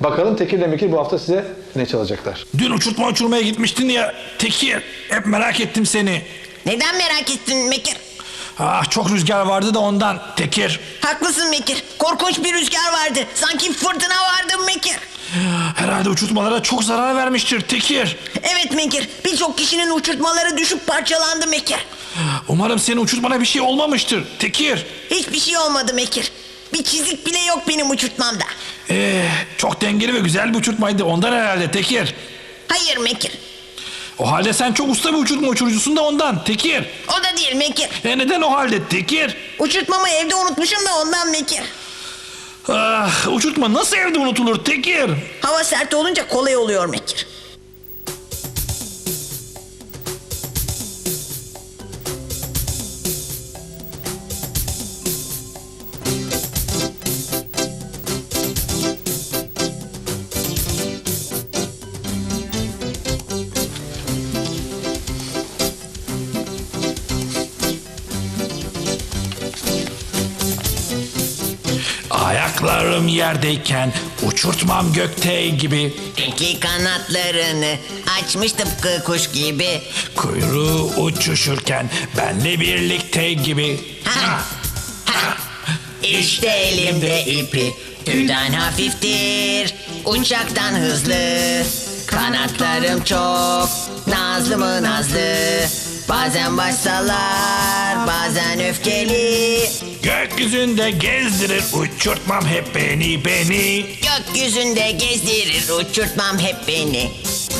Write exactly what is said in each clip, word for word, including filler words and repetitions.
Bakalım Tekir ile Mekir bu hafta size ne çalacaklar? Dün uçurtma uçurmaya gitmiştin ya Tekir. Hep merak ettim seni. Neden merak ettin Mekir? Ah, çok rüzgar vardı da ondan Tekir. Haklısın Mekir. Korkunç bir rüzgar vardı. Sanki fırtına vardı Mekir. Herhalde uçurtmalara çok zarar vermiştir Tekir. Evet Mekir. Birçok kişinin uçurtmaları düşüp parçalandı Mekir. Umarım senin uçurtmana bir şey olmamıştır Tekir. Hiçbir şey olmadı Mekir. Bir çizik bile yok benim uçurtmamda. Ee, çok dengeli ve güzel bir uçurtmaydı ondan herhalde Tekir. Hayır Mekir. O halde sen çok usta bir uçurtma uçurucusun da ondan Tekir. O da değil Mekir. E neden o halde Tekir? Uçurtmamı evde unutmuşum da ondan Mekir. Ah, uçurtma nasıl evde unutulur Tekir? Hava sert olunca kolay oluyor Mekir. Ayaklarım yerdeyken uçurtmam gökte gibi. İki kanatlarını açmış tıpkı kuş gibi. Kuyruğu uçuşurken benle birlikte gibi. Ha, ha. İşte elimde ipi, tüyden hafiftir, uçaktan hızlı. Kanatlarım çok, nazlı mı nazlı. Bazen baş sallar, bazen öfkeli. Gökyüzünde gezdirir uçurtmam hep beni beni. Gökyüzünde gezdirir uçurtmam hep beni.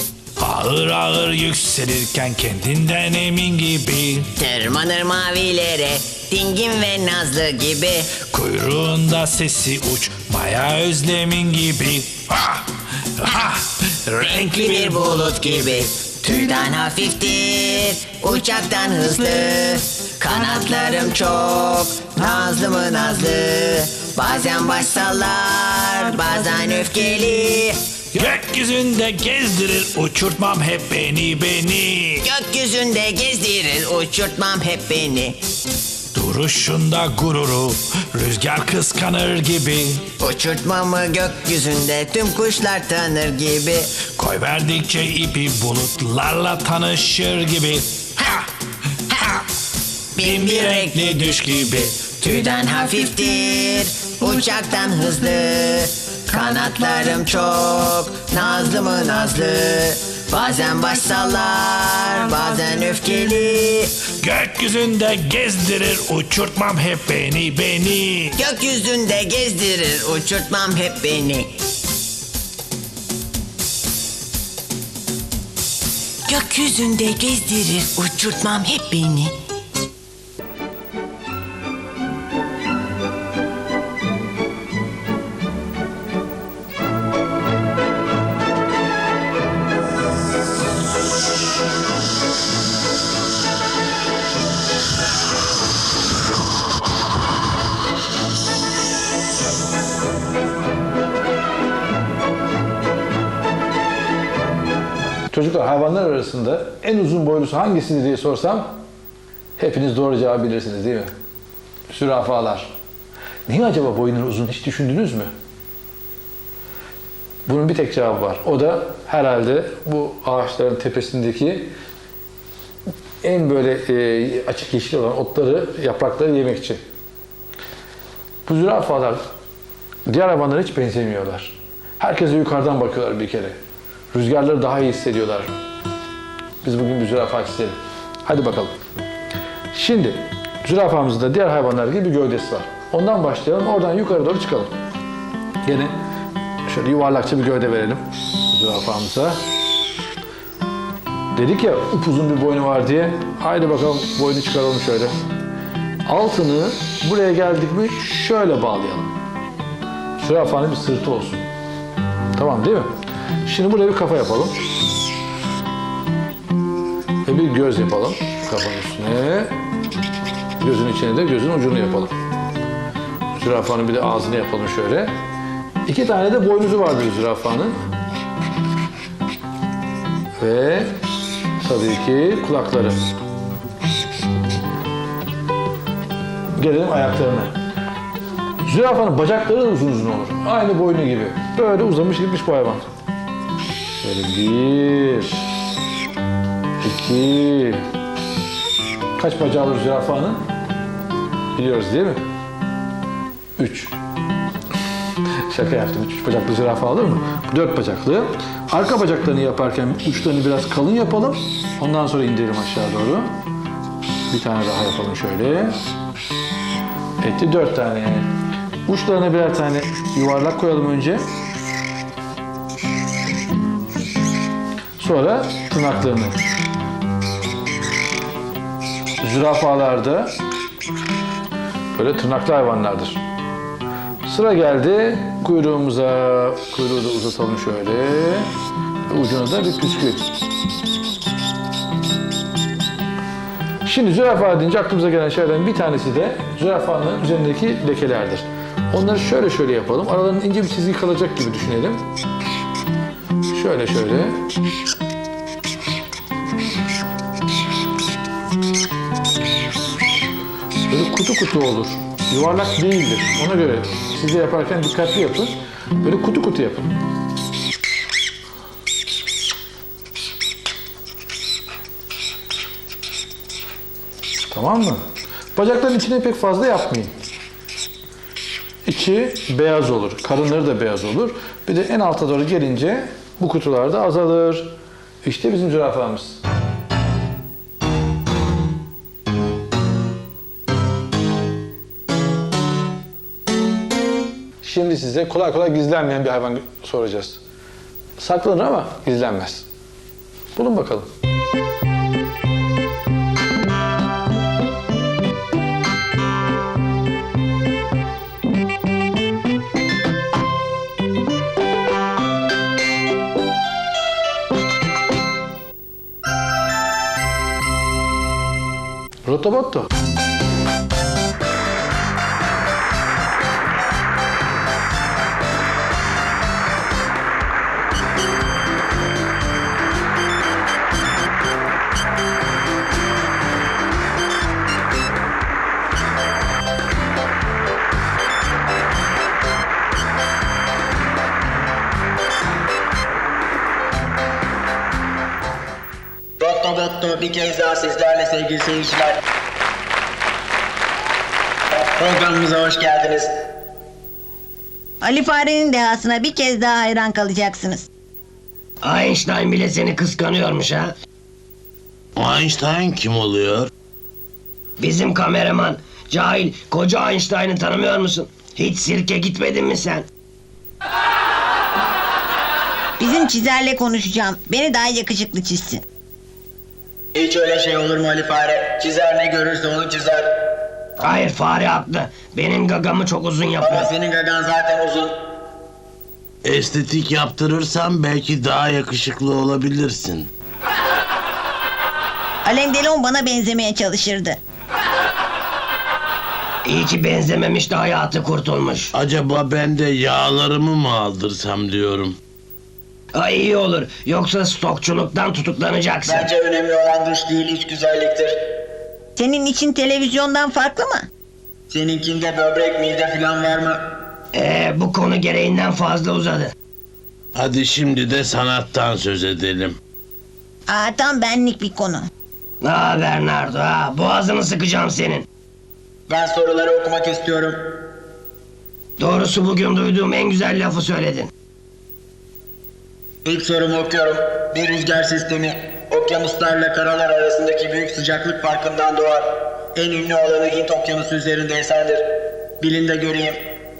Ağır ağır yükselirken kendinden emin gibi. Tırmanır mavilere, dingin ve nazlı gibi. Kuyruğunda sesi uçmaya özlemin gibi. Ha, ha, Renkli bir bulut gibi. Tüyden hafiftir, uçaktan hızlı. Kanatlarım çok, nazlı mı nazlı. Bazen baş sallar, bazen öfkeli. Gökyüzünde gezdirir uçurtmam hep beni beni. Gökyüzünde gezdirir uçurtmam hep beni. Duruşunda gururu rüzgar kıskanır gibi. Uçurtmamı gökyüzünde tüm kuşlar tanır gibi. Koy verdikçe ipi bulutlarla tanışır gibi. Ha, ha. Bin bir renkli düş gibi. Tüyden hafiftir, uçaktan hızlı. Kanatlarım çok, nazlı mı nazlı. Bazen baş sallar, bazen öfkeli. Gökyüzünde gezdirir uçurtmam hep beni beni. Gökyüzünde gezdirir uçurtmam hep beni. Gökyüzünde gezdirir uçurtmam hep beni. Çocuklar, hayvanlar arasında en uzun boylusu hangisidir diye sorsam hepiniz doğru cevabı bilirsiniz değil mi? Zürafalar. Niye acaba boyunları uzun, hiç düşündünüz mü? Bunun bir tek cevabı var. O da herhalde bu ağaçların tepesindeki en böyle e, açık yeşil olan otları, yaprakları yemek için. Bu zürafalar diğer hayvanlara hiç benzemiyorlar. Herkese yukarıdan bakıyorlar bir kere. Rüzgarları daha iyi hissediyorlar. Biz bugün bir zürafa çizelim. Hadi bakalım. Şimdi zürafamızın da diğer hayvanlar gibi bir gövdesi var. Ondan başlayalım. Oradan yukarı doğru çıkalım. Gene şöyle yuvarlakça bir gövde verelim zürafamıza. Dedik ya upuzun bir boynu var diye. Haydi bakalım boynu çıkaralım şöyle. Altını buraya geldik mi şöyle bağlayalım. Zürafanın bir sırtı olsun. Tamam değil mi? Şimdi buraya bir kafa yapalım. Ve bir göz yapalım. Kafanın üstüne. Gözün içine de gözün ucunu yapalım. Zürafanın bir de ağzını yapalım şöyle. İki tane de boynuzu vardır zürafanın. Ve tabii ki kulakları. Gelelim ayaklarına. Zürafanın bacakları da uzun uzun olur. Aynı boynu gibi. Böyle uzamış gitmiş bu hayvan. Şöyle bir, iki, kaç bacağı olur zürafanın? Biliyoruz değil mi? Üç. Şaka yaptım. Üç bacaklı zürafa alır mı? Dört bacaklı. Arka bacaklarını yaparken uçlarını biraz kalın yapalım. Ondan sonra indirelim aşağı doğru. Bir tane daha yapalım şöyle. Etti dört tane. Uçlarına birer tane yuvarlak koyalım önce. Sonra tırnaklarını. Zürafalarda böyle tırnaklı hayvanlardır. Sıra geldi kuyruğumuza. Kuyruğu da uzatalım şöyle. Ucuna da bir püskül. Şimdi zürafa deyince aklımıza gelen şeylerden bir tanesi de zürafanın üzerindeki lekelerdir. Onları şöyle şöyle yapalım. Aralarında ince bir çizgi kalacak gibi düşünelim. Şöyle şöyle. Böyle kutu kutu olur. Yuvarlak değildir. Ona göre siz de yaparken dikkatli yapın. Böyle kutu kutu yapın. Tamam mı? Bacakların içine pek fazla yapmayın. İçi beyaz olur. Karınları da beyaz olur. Bir de en alta doğru gelince bu kutular da azalır. İşte bizim zürafamız. Şimdi size kolay kolay gizlenmeyen bir hayvan soracağız. Saklanır ama gizlenmez. Bulun bakalım. Rotobotto. Rotobotto bir kez daha sizlerle sevgili seyirciler. Programımıza hoş geldiniz. Ali Fare'nin dehasına bir kez daha hayran kalacaksınız. Einstein bile seni kıskanıyormuş ha. Einstein kim oluyor? Bizim kameraman. Cahil, koca Einstein'ı tanımıyor musun? Hiç sirke gitmedin mi sen? Bizim çizerle konuşacağım. Beni daha yakışıklı çizsin. Hiç öyle şey olur mu Ali Fare? Çizer ne görürse onu çizer. Hayır, fare haklı. Benim gagamı çok uzun Ama yapıyor. senin gagan zaten uzun. Estetik yaptırırsan belki daha yakışıklı olabilirsin. Alain Delon bana benzemeye çalışırdı. İyi ki benzememiş de hayatı kurtulmuş. Acaba ben de yağlarımı mı aldırsam diyorum. Ay iyi olur. Yoksa stokçuluktan tutuklanacaksın. Bence önemli olan dış değil iç güzelliktir. Senin için televizyondan farklı mı? Seninkinde böbrek mide falan var mı? Ee, bu konu gereğinden fazla uzadı. Hadi şimdi de sanattan söz edelim. Aa, tam benlik bir konu. Ha Bernardo ha, boğazını sıkacağım senin. Ben soruları okumak istiyorum. Doğrusu bugün duyduğum en güzel lafı söyledin. İlk sorumu okuyorum. Bir rüzgar sistemi okyanuslarla karalar arasındaki büyük sıcaklık farkından doğar. En ünlü alanı Hint Okyanusu üzerinde eserdir. Bilin de göreyim.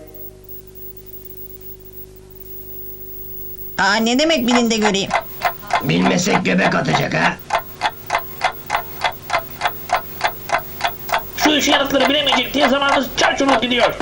Aa, ne demek bilin de göreyim. Bilmesek göbek atacak ha. Şu iş yanıtları bilemeyecek diye zamanımız çarçurluk gidiyor.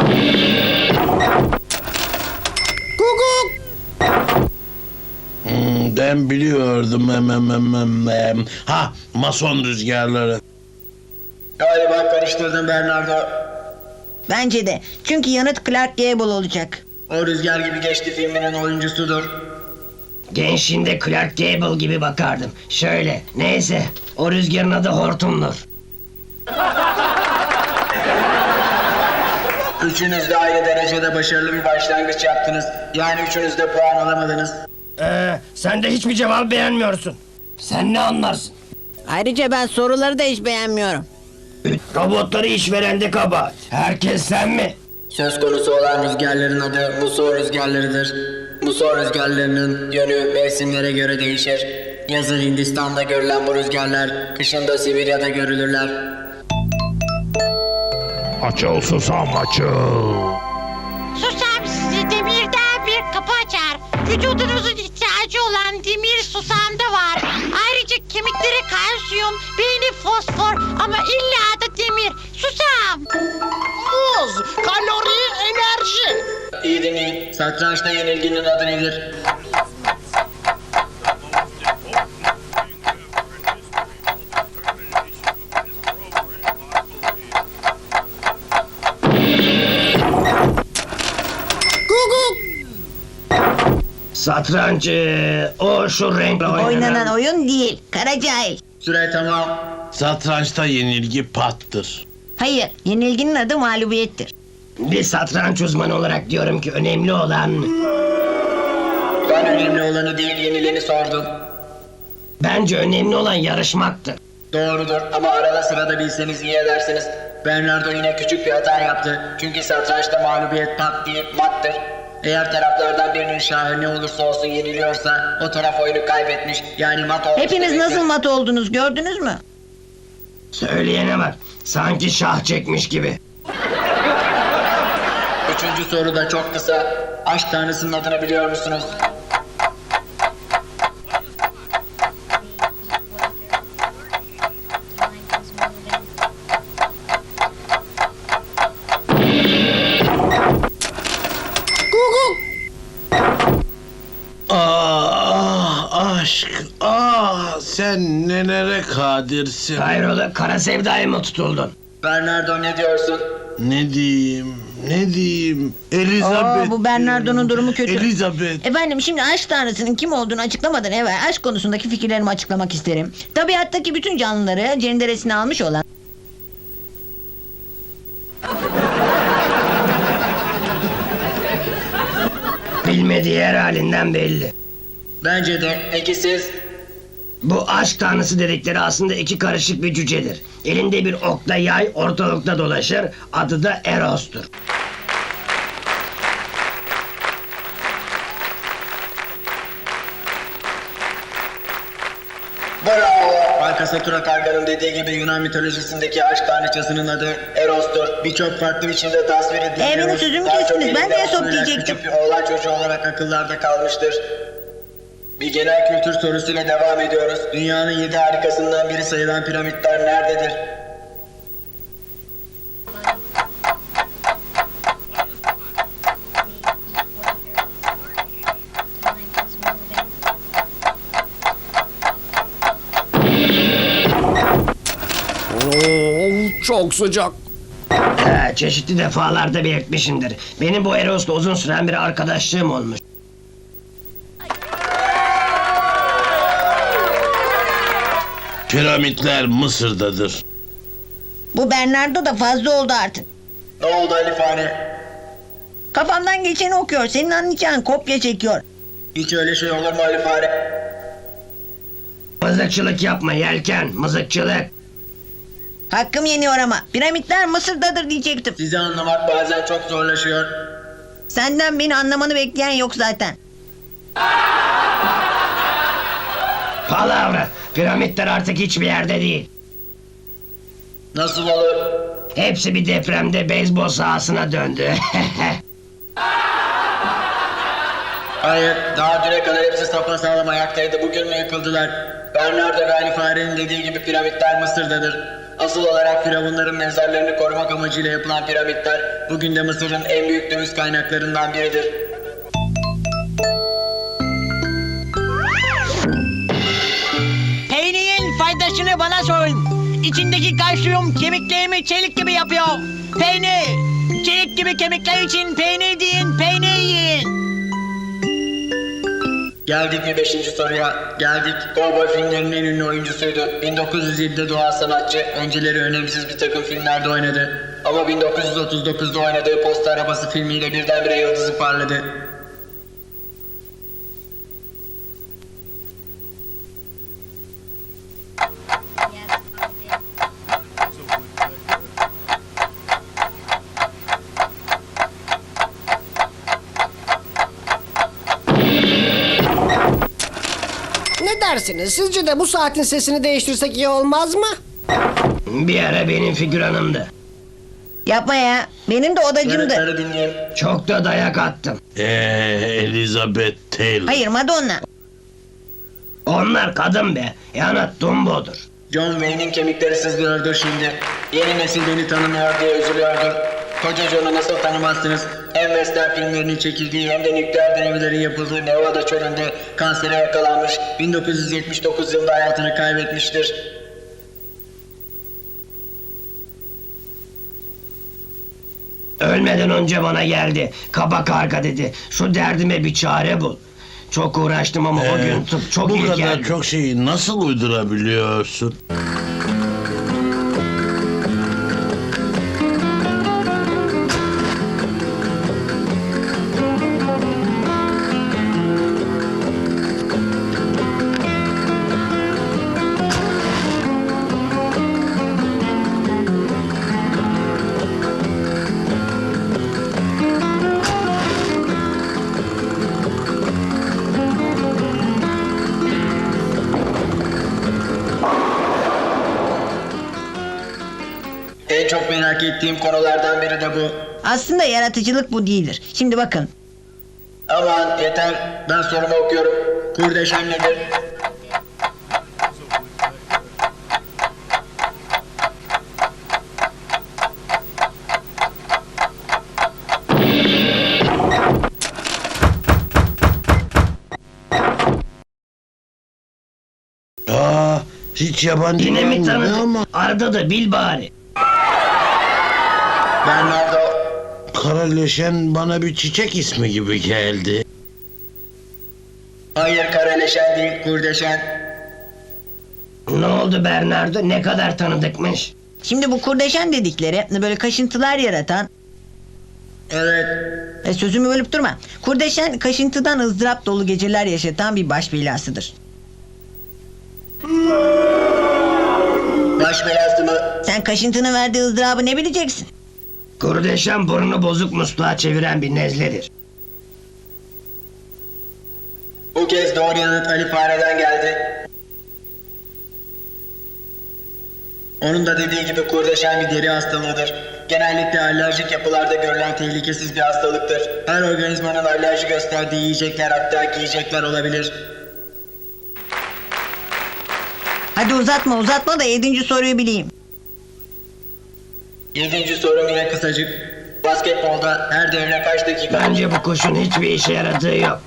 Hmm, ben biliyordum. Hem, hem, hem, hem, hem. Ha, mason rüzgarları. Galiba karıştırdım Bernardo. Bence de. Çünkü yanıt Clark Gable olacak. O Rüzgar Gibi Geçti filminin oyuncusudur. Gençliğinde Clark Gable gibi bakardım. Şöyle, neyse. O rüzgarın adı Hortum'dur. Üçünüz de aynı derecede başarılı bir başlangıç yaptınız. Yani üçünüz de puan alamadınız. Ee, sen de hiçbir cevabı beğenmiyorsun. Sen ne anlarsın? Ayrıca ben soruları da hiç beğenmiyorum. Robotları işverende kabahat. Herkes sen mi? Söz konusu olan rüzgarların adı muson rüzgarlarıdır. Muson rüzgarlarının yönü mevsimlere göre değişir. Yazın Hindistan'da görülen bu rüzgarlar, kışın da Sibirya'da görülürler. Açıl susam açıl. Susam size demirden bir kapı açar. Vücudunuzun ihtiyacı olan demir susamda var. Ayrıca kemikleri kalsiyum, beyni fosfor ama illa da demir. Susam. Muz, kalori, enerji. İyi dinleyin. Satrançta yenilginin adı nedir? Satranç ee, o şu renkle oynanan. Oynanan oyun değil. Kara cahil. Süre tamam. Satrançta yenilgi pattır. Hayır. Yenilginin adı mağlubiyettir. Bir satranç uzmanı olarak diyorum ki önemli olan... Ben önemli olanı değil yenileni sordum. Bence önemli olan yarışmaktır. Doğrudur ama arada sırada bilseniz iyi edersiniz. Bernardo yine küçük bir hata yaptı. Çünkü satrançta mağlubiyet pat değil mattır. Eğer taraflardan birinin şahı ne olursa olsun yeniliyorsa o taraf oyunu kaybetmiş. Yani mat olmuş. Hepiniz demektir. nasıl mat oldunuz gördünüz mü? Söyleyene bak. Sanki şah çekmiş gibi. Üçüncü soru da çok kısa. Aşk tanrısının adını biliyor musunuz? Ah aşk, ah sen nelere kadirsin. Hayrola kara sevdaya mı tutuldun? Bernardo ne diyorsun? Ne diyeyim, ne diyeyim? Elizabeth. Oo, bu Bernardo'nun durumu kötü. Elizabeth. Efendim şimdi aşk tanrısının kim olduğunu açıklamadan evvel aşk konusundaki fikirlerimi açıklamak isterim. Tabiattaki bütün canlıları cenderesine almış olan Bilmediği her halinden belli. Bence de. Peki siz? Bu aşk tanrısı dedikleri aslında iki karışık bir cücedir. Elinde bir okla yay ortalıkta dolaşır. Adı da Eros'tur. Bravo! Alkasakura Karga'nın dediği gibi Yunan mitolojisindeki aşk tanrıçasının adı Eros'tur. Birçok farklı biçimde tasvir edilir. Ee, benim sözümü Daha çok kestiniz. Ben elinde de Esop aslında diyecektim. Küçük bir oğlan çocuğu olarak akıllarda kalmıştır. Bir genel kültür sorusuyla devam ediyoruz. Dünyanın yedi harikasından biri sayılan piramitler nerededir? Çok sıcak. He, çeşitli defalarda belirtmişimdir. Benim bu Eros'la uzun süren bir arkadaşlığım olmuş. Piramitler Mısır'dadır. bu Bernardo da fazla oldu artık. Ne oldu Ali Fare? Kafamdan geçeni okuyor. Senin anlayacağın kopya çekiyor. Hiç öyle şey olur mu Ali Fare? Mızıkçılık yapma yelken, mızıkçılık. Hakkım yeniyor ama. Piramitler Mısır'dadır diyecektim. Sizi anlamak bazen çok zorlaşıyor. Senden beni anlamanı bekleyen yok zaten. Palavra. Piramitler artık hiçbir yerde değil. Nasıl olur? Hepsi bir depremde beyzbol sahasına döndü. Hayır, daha düne kadar hepsi sapasağlam ayaktaydı. Bugün mü yıkıldılar? Bernardo ve Ali Fare'nin dediği gibi piramitler Mısır'dadır. Asıl olarak firavunların mezarlarını korumak amacıyla yapılan piramitler bugün de Mısır'ın en büyük döviz kaynaklarından biridir. Peynirin faydasını bana sorun. İçindeki kalsiyum kemiklerimi çelik gibi yapıyor. Peynir. Çelik gibi kemikler için peynir deyin, peynir yiyin. Geldik mi beşinci soruya? Geldik. Cowboy filmlerinin en ünlü oyuncusuydu. bin dokuz yüz yedide doğan sanatçı. Önceleri önemsiz bir takım filmlerde oynadı. Ama bin dokuz yüz otuz dokuzda oynadığı Posta Arabası filmiyle birdenbire yıldızı parladı. Ne dersiniz? Sizce de bu saatin sesini değiştirsek iyi olmaz mı? Bir ara benim figüranımdı. Yapma ya. Benim de odacımdı. Yanıtları dinleyin. Çok da dayak attım. Eee Elizabeth Taylor. Hayır, Madonna. Onlar kadın be. Yani Dumbo'dur. John Wayne'in kemikleri sızlıyordur şimdi. Yeni nesil beni tanımıyor diye üzülüyordur. Koca John'u nasıl tanımazsınız? Hem western filmlerinin çekildiği hem de nükleer denemelerin yapıldığı Nevada çölünde kansere yakalanmış. bin dokuz yüz yetmiş dokuz yılında hayatını kaybetmiştir. Ölmeden önce bana geldi. Kaba karga dedi. Şu derdime bir çare bul. Çok uğraştım ama o Ee, gün tıp çok Bu iyi kadar geldi. çok şeyi nasıl uydurabiliyorsun? En çok merak ettiğim konulardan biri de bu. Aslında yaratıcılık bu değildir. Şimdi bakın. Aman yeter, ben sorumu okuyorum. Kurdeşen nedir? Aa, hiç yabancı Yine mi gelmiyor tanıdık? ama Arda da bil bari. Bernardo. Karaleşen bana bir çiçek ismi gibi geldi. Hayır, karaleşen değil, kurdeşen. Ne oldu Bernardo? Ne kadar tanıdıkmış? Şimdi bu kurdeşen dedikleri böyle kaşıntılar yaratan... Evet. E, sözümü bölüp durma. Kurdeşen kaşıntıdan ızdırap dolu geceler yaşatan bir baş belasıdır. Baş belası mı? Sen kaşıntının verdiği ızdırabı ne bileceksin? Kurdeşen burnu bozuk musluğa çeviren bir nezledir. Bu kez doğru yanıt Ali Fare'den geldi. Onun da dediği gibi kurdeşen bir deri hastalığıdır. Genellikle alerjik yapılarda görülen tehlikesiz bir hastalıktır. Her organizmanın alerji gösterdiği yiyecekler, hatta giyecekler olabilir. Hadi uzatma uzatma da yedinci soruyu bileyim. Yedinci sorum yine kısacık. Basketbolda her devre kaç dakika? Bence bu kuşun hiçbir işe yaradığı yok.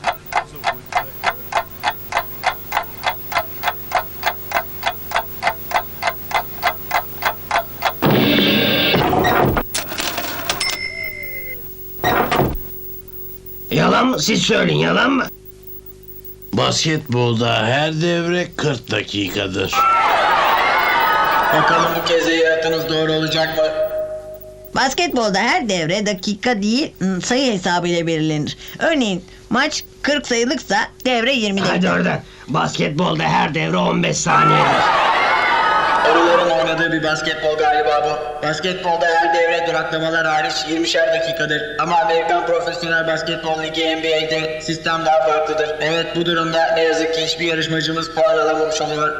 Yalan mı? Siz söyleyin, yalan mı? Basketbolda her devre kırk dakikadır. Bakalım bu kez de yaratınız doğru olacak mı? Basketbolda her devre dakika değil ım, sayı hesabıyla belirlenir. Örneğin maç kırk sayılıksa devre yirmi Hadi dakika. oradan. Basketbolda her devre on beş saniyedir. Arıların oynadığı bir basketbol galiba bu. Basketbolda her devre duraklamalar hariç yirmişer dakikadır. Ama Amerikan Profesyonel Basketbol Ligi N B A'de sistem daha farklıdır. Evet, bu durumda ne yazık ki hiçbir yarışmacımız puan alamamış oluyor.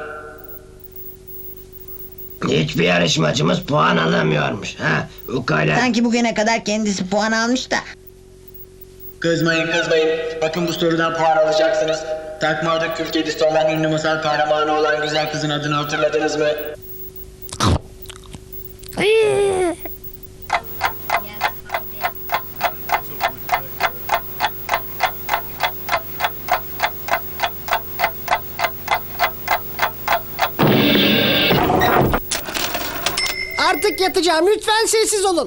Hiçbir yarışmacımız puan alamıyormuş. Ha, ukala. Sanki bugüne kadar kendisi puan almış da. Kızmayın kızmayın. Bakın bu sorudan puan alacaksınız. Takmada kül kedisi olan ünlü masal kahramanı olan güzel kızın adını hatırladınız mı? Artık yatacağım. Lütfen sessiz olun.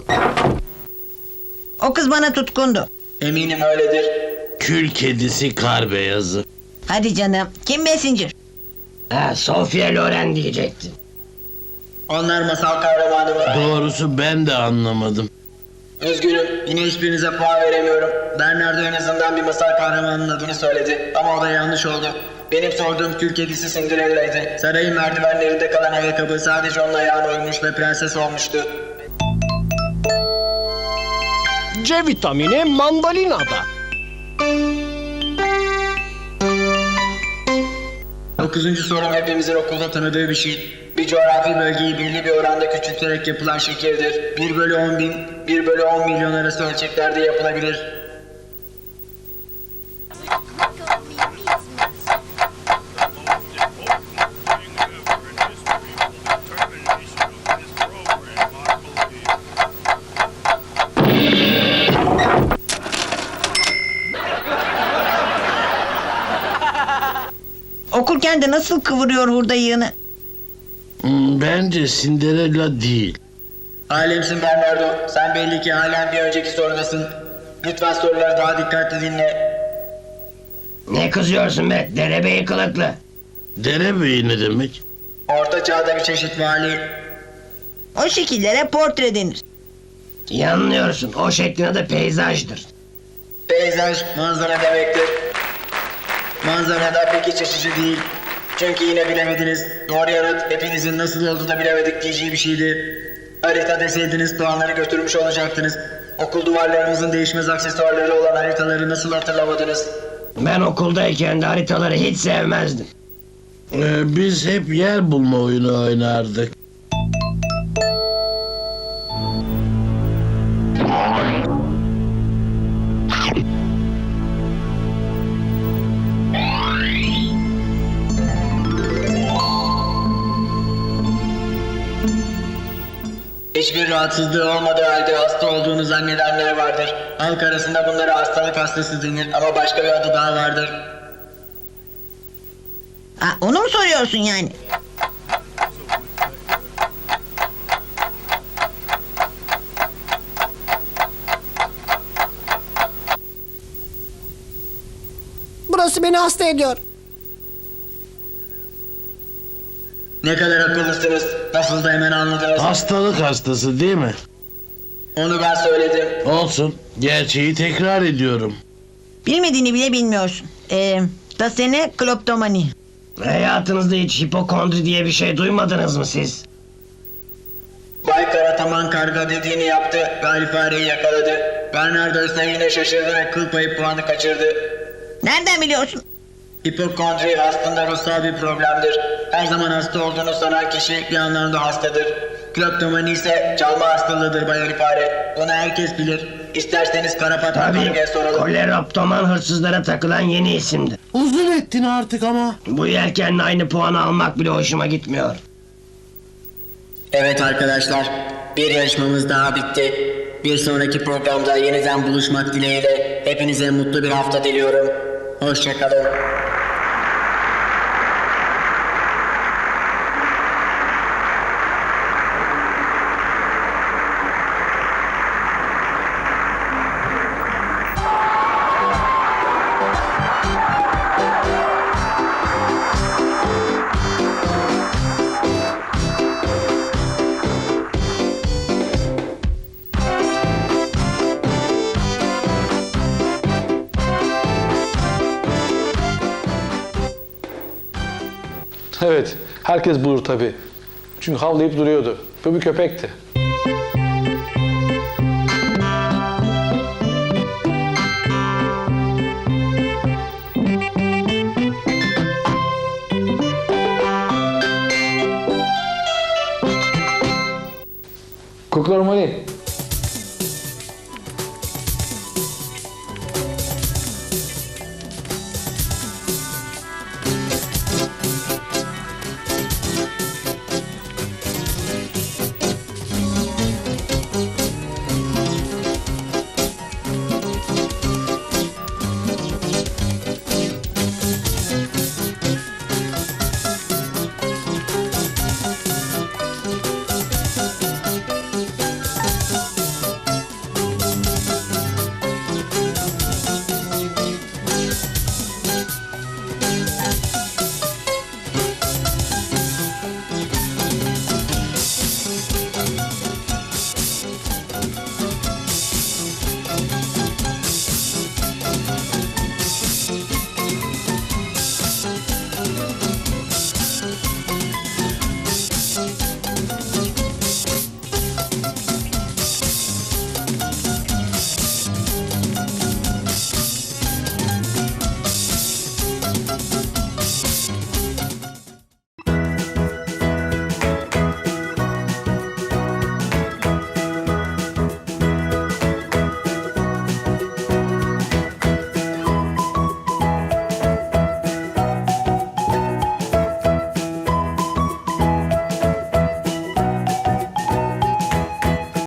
O kız bana tutkundu. Eminim öyledir. Kül kedisi kar beyazı. Hadi canım. Kim Messenger? Ha, Sofia Loren diyecektin. Onlar masal kahramanı mı? Doğrusu ben de anlamadım. Üzgünüm, yine hiçbirinize puan veremiyorum. Bernardo en azından bir masal kahramanının adını söyledi. Ama o da yanlış oldu. Benim sorduğum kül kedisi Cinderella'ydı. Sarayın merdivenlerinde kalan ayakkabı sadece onun ayağına uymuş ve prenses olmuştu. C vitamini mandalinada. Dokuzuncu sorum hepimizin okulda tanıdığı bir şey. Bir coğrafi bölgeyi belli bir oranda küçülterek yapılan şekildir. bir bölü on bin, bir bölü on milyon arası ölçeklerde yapılabilir. Okurken de nasıl kıvırıyor hurda yığını. Hmm, Bence Cinderella değil. Alemsin Bernardo. Sen belli ki halen bir önceki sorudasın. Lütfen soruları daha dikkatli dinle. Ne kızıyorsun be derebeyi kılıklı? Derebeyi ne demek? Orta çağda bir çeşit vali. O şekillere portre denir. Yanılıyorsun, o şeklin adı peyzajdır. Peyzaj manzara demektir. Manzara da pek iç açıcı değil. Çünkü yine bilemediniz. Doğru yanıt hepinizin nasıl oldu da bilemedik diyeceği bir şeydi. Harita deseydiniz puanları götürmüş olacaktınız. Okul duvarlarımızın değişmez aksesuarları olan haritaları nasıl hatırlamadınız? Ben okuldayken de haritaları hiç sevmezdim. Ee, biz hep yer bulma oyunu oynardık. Hiçbir rahatsızlığı olmadığı halde hasta olduğunu zannedenler vardır. Halk arasında bunlara hastalık hastası denir ama başka bir adı daha vardır. Ha, onu mu soruyorsun yani? Burası beni hasta ediyor. Ne kadar akıllısınız. Nasıl da hemen anladınız. Hastalık hastası değil mi? Onu ben söyledim. Olsun. Gerçeği tekrar ediyorum. Bilmediğini bile bilmiyorsun. Ee, dasene kloptomani. Hayatınızda hiç hipokondri diye bir şey duymadınız mı siz? Bay Karataman karga dediğini yaptı. Galip fareyi yakaladı. Bernardo ise yine şaşırdı ve kıl payı puanı kaçırdı. Nereden biliyorsun? Hipokondri aslında ruhsal bir problemdir. Her zaman hasta olduğunu sanan kişi bir anlamda hastadır. Kleptomani ise çalma hastalığıdır Bay Ali Fare. Bunu herkes bilir. İsterseniz Karapat Tabii, Karga'ya soralım. koleroptoman hırsızlara takılan yeni isimdir. Uzun ettin artık ama. Bu yelkenle aynı puanı almak bile hoşuma gitmiyor. Evet arkadaşlar, bir yarışmamız daha bitti. Bir sonraki programda yeniden buluşmak dileğiyle hepinize mutlu bir hafta diliyorum. Hoşçakalın. Evet, herkes bulur tabii. Çünkü havlayıp duruyordu. Bu bir köpekti.